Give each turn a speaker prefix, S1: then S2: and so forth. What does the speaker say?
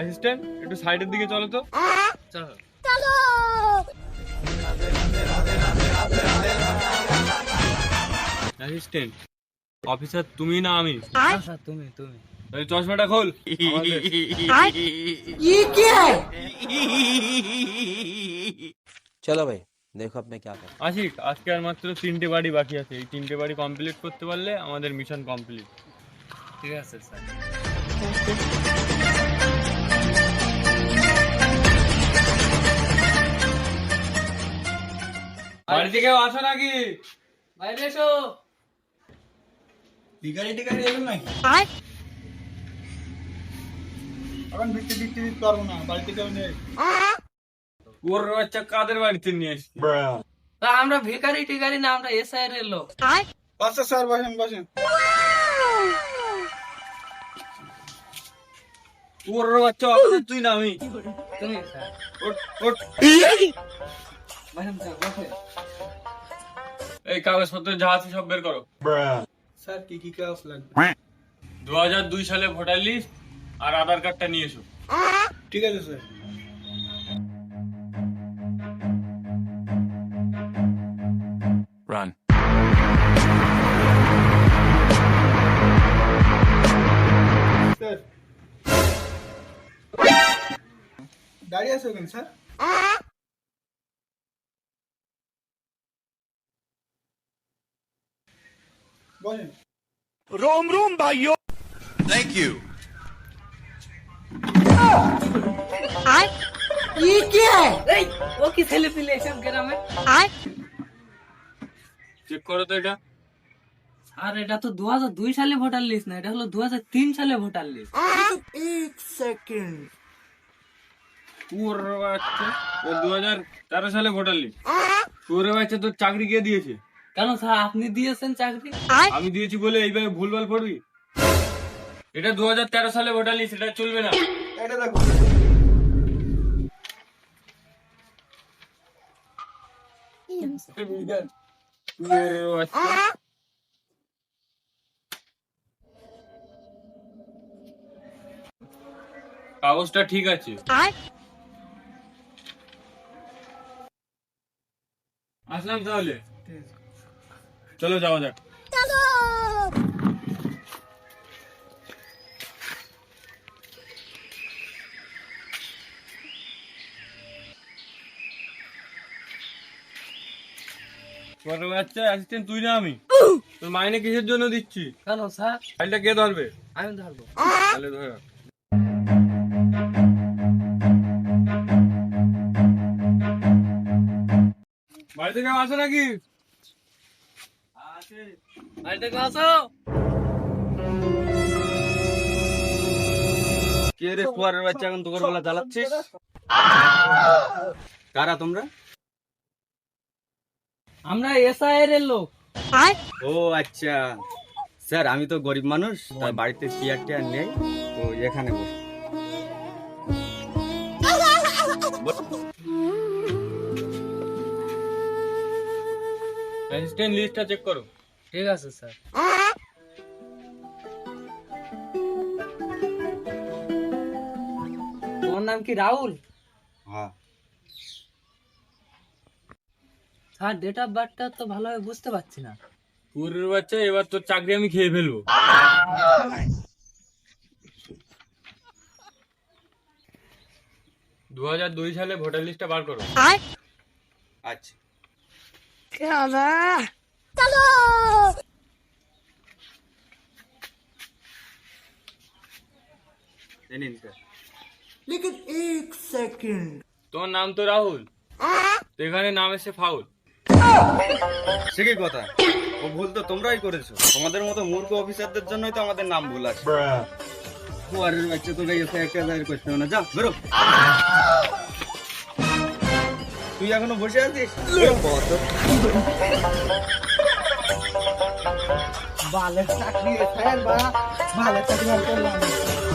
S1: Assistant একটু সাইডের দিকে চলো তো। চলো অ্যাসিস্ট্যান্ট অফিসার তুমি না আমি?
S2: স্যার তুমি
S1: তাহলে চশমাটা খোল।
S3: ये क्या है?
S4: चलो भाई देखो अब मैं क्या कर।
S1: আশিক, আজকে আর মাত্র 3টে বাড়ি বাকি আছে, এই 3টে বাড়ি কমপ্লিট করতে পারলে আমাদের মিশন কমপ্লিট।
S2: ঠিক আছে স্যার।
S1: বাড়ি থেকে কেউ আসো নাকি?
S2: বাইরে এসো।
S3: ভিখারি টিখারি এলো নাকি? এখন ভিক্ষে দিতে পারবো না, বাড়িতে কেউ নেই।
S1: ওর বাচ্চা কাদের বাড়িতে নিয়ে এসছি?
S2: তা আমরা ভিখারি টিখারি না, আমরা এসআই এর লোক।
S3: আচ্ছা স্যার, বসেন বসেন।
S1: ওর বাচ্চা অফিসার তুই না আমি?
S2: তুমি স্যার।
S1: ওঠ, ওঠ।
S2: বসেন স্যার, বসেন।
S1: এই কাগজপত্র যা আছে সব বের করো।
S3: স্যার কি কি কাগজ লাগবে?
S1: 2002 সালে ভোটার লিস্ট আর আধার কার্ডটা নিয়ে এসো।
S3: ঠিক আছে স্যার।
S5: Run.
S3: স্যার দাঁড়িয়ে আছো কেন স্যার? বসেন।
S5: Room room भाइयों. Thank you.
S3: ये क्या है?
S2: এই ও কি ছেলে পিলে এসব গ্রামে?
S1: চেক করো তো এটা।
S2: আর এটা তো 2002 সালে ভোটার লিস্ট না, এটা হলো 2003 সালে ভোটার লিস্ট।
S3: एक सेकंड।
S1: ওর বাচ্চা 2013 সালে ভোটার লিস্ট। ওর বাচ্চা তোর চাকরি কে দিয়েছে?
S2: কেন স্যার আপনি দিয়েছেন চাকরি?
S1: আমি দিয়েছি বলে এইভাবে ভুলভাল পড়বি? এটা 2013 সালে ভোটার লিস্ট, এটা চলবে না।
S3: এটা দেখো।
S1: ওর বাচ্চা। কাগজটা ঠিক আছে। আসলাম তাহলে, চলো যাওয়া যাক। তোর বাচ্চা অ্যাসিস্ট্যান্ট তুই না আমি? তোর মাইনে কিসের জন্য দিচ্ছি?
S2: কেন স্যার?
S1: ফাইলটা কে ধরবে?
S2: আমি ধরবো।
S1: তাহলে ধর। বাড়ি থেকে আসো নাকি?
S2: বাড়িতে কেউ আসো?
S4: কে রে কুয়ারের বাচ্চা এখন তোর বেলা জ্বালাচ্ছিস? কারা তোমরা?
S2: আমরা এসআই এর লোক।
S4: ও আচ্ছা স্যার, আমি তো গরিব মানুষ, তাই বাড়িতে চেয়ার টেয়ার নেই, তো এখানে বসে।
S1: অ্যাসিস্ট্যান্ট লিস্টটা চেক করো।
S2: ঠিক আছে স্যার। তোমার নাম কি রাহুল?
S4: হ্যাঁ।
S2: স্যার ডেট অফ বার্থটা তো ভালোভাবে বুঝতে পারছি না।
S1: পুরের বাচ্চা, এবার তোর চাকরি আমি খেয়ে ফেলবো। 2002 সালে ভোটার লিস্টটা বার করো।
S4: আচ্ছা এই নিন স্যার।
S3: लेकिन एक सेकंड।
S1: তোমার নাম তো রাহুল, তো এখানে নাম এসে ফাউল।
S4: সে কি কথা? ও ভুল তো তোমরাই করেছো, তোমাদের মতো মূর্খ অফিসারদের জন্যই তো আমাদের নাম ভুল আছে। কুয়ারের বাচ্চা তোকে এসে একটা দায়ের করতে হবে না, যা বেরো। তুই এখনো বসে আছিস?
S3: ভালো চাকরি স্যার, ভালো চাকরি করলাম।